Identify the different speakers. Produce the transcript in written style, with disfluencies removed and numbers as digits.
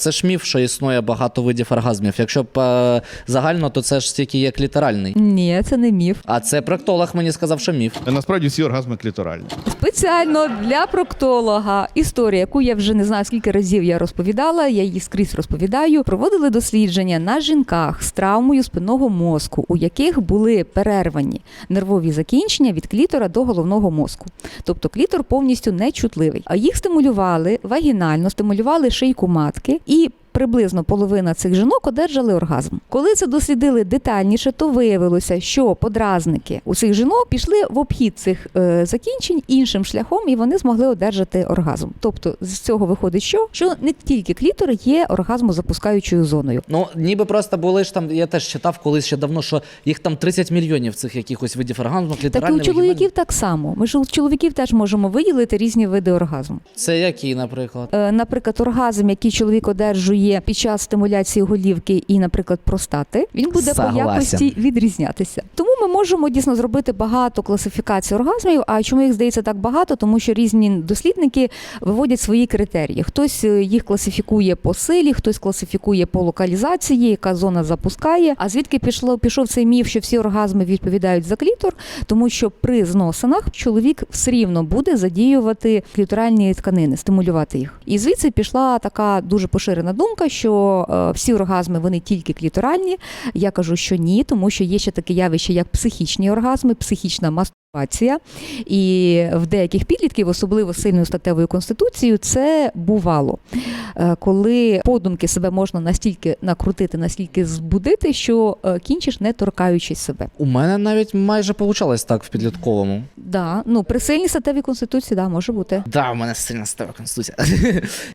Speaker 1: Це ж міф, що існує багато видів оргазмів. Якщо загально, то це ж тільки є кліторальний.
Speaker 2: Ні, це не міф.
Speaker 1: А це проктолог мені сказав, що міф.
Speaker 3: Насправді всі оргазми кліторальні.
Speaker 2: Спеціально для проктолога історія, яку я вже не знаю скільки разів я розповідала, я її скрізь розповідаю, проводили дослідження на жінках з травмою спинного мозку, у яких були перервані нервові закінчення від клітора до головного мозку. Тобто клітор повністю нечутливий. А їх стимулювали вагінально, стимулювали шийку матки і приблизно половина цих жінок одержали оргазм. Коли це дослідили детальніше, то виявилося, що подразники у цих жінок пішли в обхід цих закінчень іншим шляхом, і вони змогли одержати оргазм. Тобто з цього виходить, що не тільки клітор є оргазмозапускаючою зоною.
Speaker 1: Ну, ніби просто були ж там, я теж читав колись ще давно, що їх там 30 мільйонів цих якихось видів оргазму,
Speaker 2: Так і
Speaker 1: кліторальний,
Speaker 2: у чоловіків так само. Ми ж у чоловіків теж можемо виділити різні види оргазму.
Speaker 1: Це які, наприклад?
Speaker 2: Наприклад, оргазм, який чоловік одержує під час стимуляції голівки і, наприклад, простати, він буде по якості відрізнятися. Тому ми можемо дійсно зробити багато класифікацій оргазмів. А чому їх здається так багато? Тому що різні дослідники виводять свої критерії. Хтось їх класифікує по силі, хтось класифікує по локалізації, яка зона запускає. А звідки пішов цей міф, що всі оргазми відповідають за клітор? Тому що при зносинах чоловік все рівно буде задіювати кліторальні тканини, стимулювати їх. І звідси пішла така дуже поширена думка, що всі оргазми, вони тільки кліторальні. Я кажу, що ні, тому що є ще таке явище, як психічні оргазми, психічна мастурбація. І в деяких підлітків, особливо з сильною статевою конституцією, це бувало. Коли подумки себе можна настільки накрутити, настільки збудити, що кінчиш, не торкаючись себе.
Speaker 1: У мене навіть майже получалось так в підлітковому.
Speaker 2: Да, ну при сильній статевій конституції, да, може бути.
Speaker 1: Да, у мене сильна стара конституція.